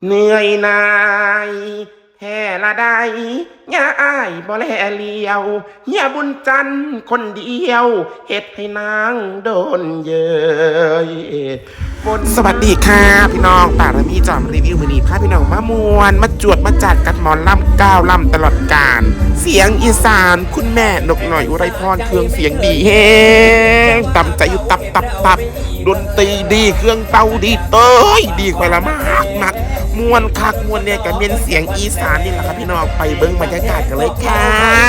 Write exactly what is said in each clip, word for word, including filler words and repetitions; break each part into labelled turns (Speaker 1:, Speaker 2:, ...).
Speaker 1: เหนื่อยนายแห่ละได้ย่าอ้ายบ่แลเลียวย่าบุญจันทร์คนเดียวเฮ็ดให้นางโดนเยยสวัสดีค่ะพี่น้องป่ารมีจอมรีวิวมือนี้พาพี่น้องมามวนมาจวดมาจัดกันหมอนล่ำก้าวล่ำตลอดกาลเสียงอีสานคุณแม่นกหน่อยอุไรพรเครื่องเสียงดีแฮงตำใจอยู่ตับตับตับดนตรีดีเครื่องเป่าดีเต้ยดีกว่าละมากมากมวนคักมวนเนี่ยกับเป็นเสียงอีสานนี่แหละครับพี่น้องไปเบิ้งบรรยากาศกันเลยค่ะ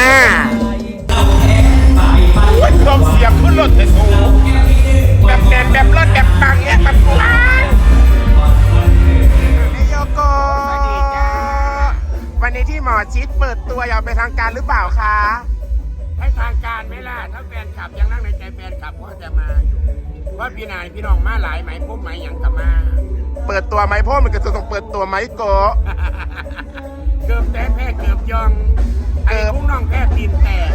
Speaker 1: วันลมเสียงขึ้นรถเลยโอ้แบบแบบแบบรถแบบปังเนี่ยแบบว้าวนายโยโกวันนี้ที่หมอชิดเปิดตัวอย่างเป็นทางการหรือเปล่าคะ
Speaker 2: ให้ทางการไหมล่ะถ้าแฟนคลับยังนั่งในใจแฟนคลับก็จะมาอยู่ว่าพี่นายพี่น้องมาหลายไหมพบไหมยังกับมา
Speaker 1: เปิดตัวไหมพ่อมันก็จะต้องเปิดตัวไหมโก
Speaker 2: เกือบแต่แพ้เกือบยองไอ้พวกน้องแพ้ตีนแตก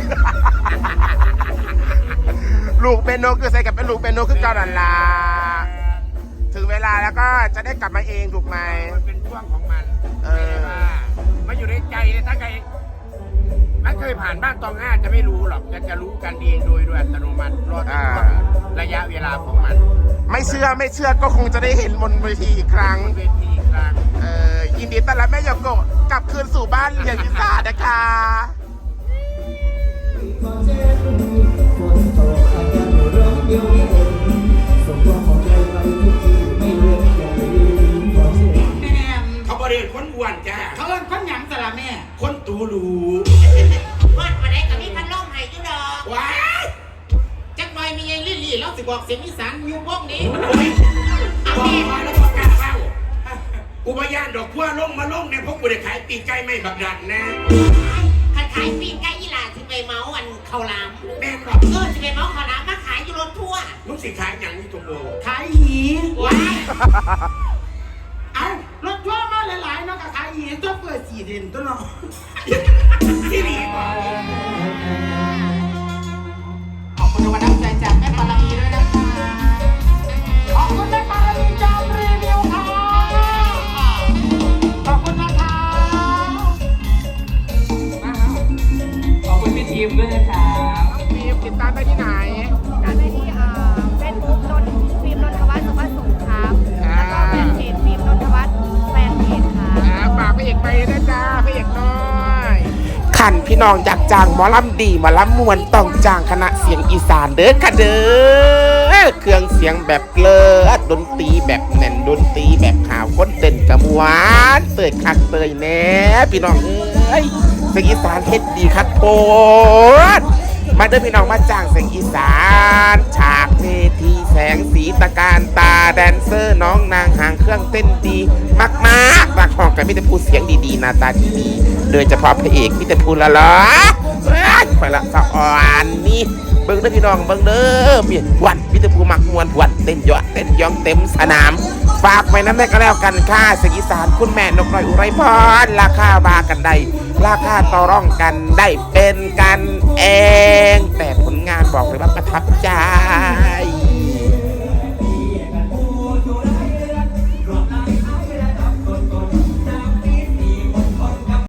Speaker 1: ลูกเป็นโนคือใส่กับเป็นลูกเป็นโนคือเก่าดันลาถึงเวลาแล้วก็จะได้กลับมาเองถูกไหม
Speaker 2: มันเป็นช่วงของมันเออมาอยู่ในใจเลยถ้าใครไม่เคยผ่านบ้านตองห้าจะไม่รู้หรอกจะจะรู้กันเองโดยโดยอัตโนมัติรอดระยะเวลาของมัน
Speaker 1: ไม่เชื่อไม่เชื่อก็คงจะได้เห็นบนเวทีอีกครั้ง
Speaker 2: เวทีอีกครั้ง
Speaker 1: เออยินดีต้อนรับแม่ยโกะกลับคืนสู่บ้านเรียนพิซซ่านะคะ
Speaker 2: เขาบริเวณคนอ้วนจ้า
Speaker 3: เขาเล่นคนหยังสละแม่
Speaker 2: คนตูรู
Speaker 3: วัดมาได้กับพี่พันล่องไห้ยุดอก
Speaker 2: ว้า
Speaker 3: จักหน่อยมีไอ้ลี่ลี่แล้วสิบอกเสียงอีสานอยู่พวกนี้
Speaker 2: บอกมาแล้วบอกการเข้าอุบายานดอกพัวลงมาลงเนี่ยพวกกูได้ขายปีกไก่ไม่บักดันนะ
Speaker 3: ขันขายปีกไก่ยี่หล่าสิไปเมาอันข้าวหลาม
Speaker 2: แม่บอก
Speaker 3: เออสิไปเมาข้าวหลามมาขายอยู่รถทัวร์
Speaker 2: มึงสิขายอย่างนี้ตัวโบ
Speaker 3: ขายหีว้ายเอารถทัวร์มาหลายๆเนาะกับขายหีตัวเปิดสี่เด่นตัวเนาะ
Speaker 2: ที่นี่บอก
Speaker 3: ขอบคุณวันน้ำใจจากแม่ปารามีด้วยนะคะขอบคุณแม่ปารามีจอมรีวิวค่ะขอบคุณนะคะ
Speaker 4: ขอบคุณพี่ทีมด้วยนะครับ
Speaker 1: ทีมติดตามได้ที่ไหน
Speaker 5: ตามได้ที่เฟซบุ๊กนนฟิล์มนนทวัฒน์สุวัสดิ์สงครามแล้วก็แฟนเพจฟิล์มนนทวัฒน์แฟนเพจค่ะ
Speaker 1: ฝากพระเอกไปนะจ้าพระเอกน้อยขันพี่น้องอยากจ้างหมอลำดีหมอลำมวนต้องจ้างคณะเสียงอีสานเด้อค่ะเด้อเครื่องเสียงแบบเลิศดนตรีแบบแน่นดนตรีแบบข่าวคนเต้นกระมวานเตยคักเตยแน่พี่น้องเอ้ยเสียงอีสานเฮ็ดดีคักโพดมาเด้อพี่น้องมาจ้างเสียงอีสานฉากเวทีแสงสีตะการตาแดนเซอร์น้องนางหางเครื่องเต้นดีมากมากมากของกันมิตรพูดเสียงดีๆหน้าตาดีๆโดยเฉพาะพระเอกมิตรพูดละล้อคอยละสะอ่อนนี่เบิ้งเด้อพี่น้องเบิ้งเด้อมีวันมิตรพูมักมวนวันเต้นยอดเต้นย่องเต็มสนามฝากไว้น้ำแม่ก็แล้วกันค่ะเสียงอีสานคุณแม่นกน้อยอุไรพรราคาบากันได้ราคาต่อรองกันได้เป็นกันเองแต่ผลงานบอกเลยว่าประทับใจ